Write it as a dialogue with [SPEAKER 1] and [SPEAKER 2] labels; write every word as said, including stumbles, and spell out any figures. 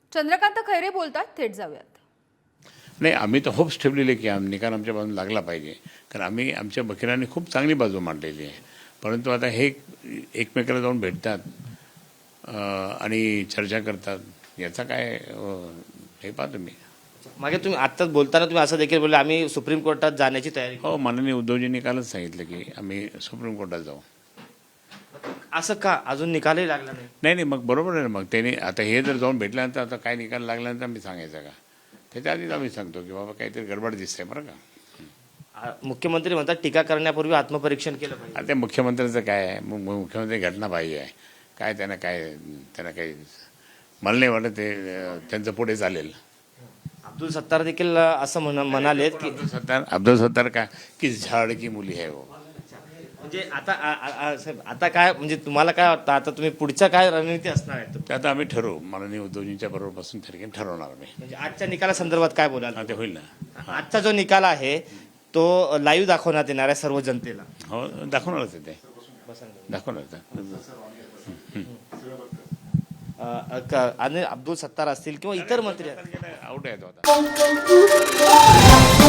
[SPEAKER 1] चंद्रकांत खैरे बोलतात, थेट जाऊयात.
[SPEAKER 2] नाही, आम्ही तर होप्स ठेवलेले की आम निकाल आमच्या बाजून लागला पाहिजे, कारण आम्ही आमच्या वकिलांनी खूप चांगली बाजू मांडलेली आहे. परंतु आता हे एकमेकाला जाऊन भेटतात अं, आणि चर्चा करतात, याचा काय अं, हे पाहतो मी.
[SPEAKER 3] मागे तुम्ही आत्ताच बोलताना तुम्ही असं देखील बोलले आम्ही सुप्रीम कोर्टात जाण्याची तयारी करू.
[SPEAKER 2] हो, माननीय उद्धवजींनी कालच सांगितलं की आम्ही सुप्रीम कोर्टात जाऊ.
[SPEAKER 3] असं का अजून निकालही लागला नाही?
[SPEAKER 2] नाही नाही मग बरोबर आहे ना. मग त्याने आता हे जर जाऊन भेटल्यानंतर आता काय निकाल लागल्यानंतर आम्ही सांगायचं का? त्याच्या आधीच आम्ही सांगतो की बाबा काहीतरी गडबड दिसते बरं का.
[SPEAKER 3] आ- मुख्यमंत्री म्हणतात टीका करण्यापूर्वी आत्मपरीक्षण केलं पाहिजे.
[SPEAKER 2] आता मुख्यमंत्र्यांचं काय आहे, मग मग मुख्यमंत्री घटना पाहिजे आहे काय, त्यांना काय त्यांना काही मला नाही वाटत ते अं, त्यांचं पुढे चालेल.
[SPEAKER 3] अब्दुल सत्तार देखील असं म्हण म्हणालेत की
[SPEAKER 2] अब्दुल सत्तार अब्दुल सत्तार का की झाड की मुली आहे वो.
[SPEAKER 3] म्हणजे आता आ- आ- आ- साहेब, आता काय म्हणजे तुम्हाला काय वाटतं आता तुम्ही पुढच्या काय रणनीती असणार आहे?
[SPEAKER 2] ते आता आम्ही ठरवू, माननीय उद्धवजींच्या बरोबर बसून ठरवून ठरवणार आम्ही.
[SPEAKER 3] म्हणजे आजच्या निकालासंदर्भात काय बोलाल?
[SPEAKER 2] हा, ते होईल ना.
[SPEAKER 3] आजचा जो निकाल आहे तो लाईव्ह दाखवण्यात येणार आहे सर्व जनतेला.
[SPEAKER 2] हो, दाखवणारच आहे ते, दाखवणारच आहे.
[SPEAKER 3] अ, अ, क- आणि अब्दुल सत्तार असतील किंवा इतर मंत्री
[SPEAKER 2] आउट आहे तो आता.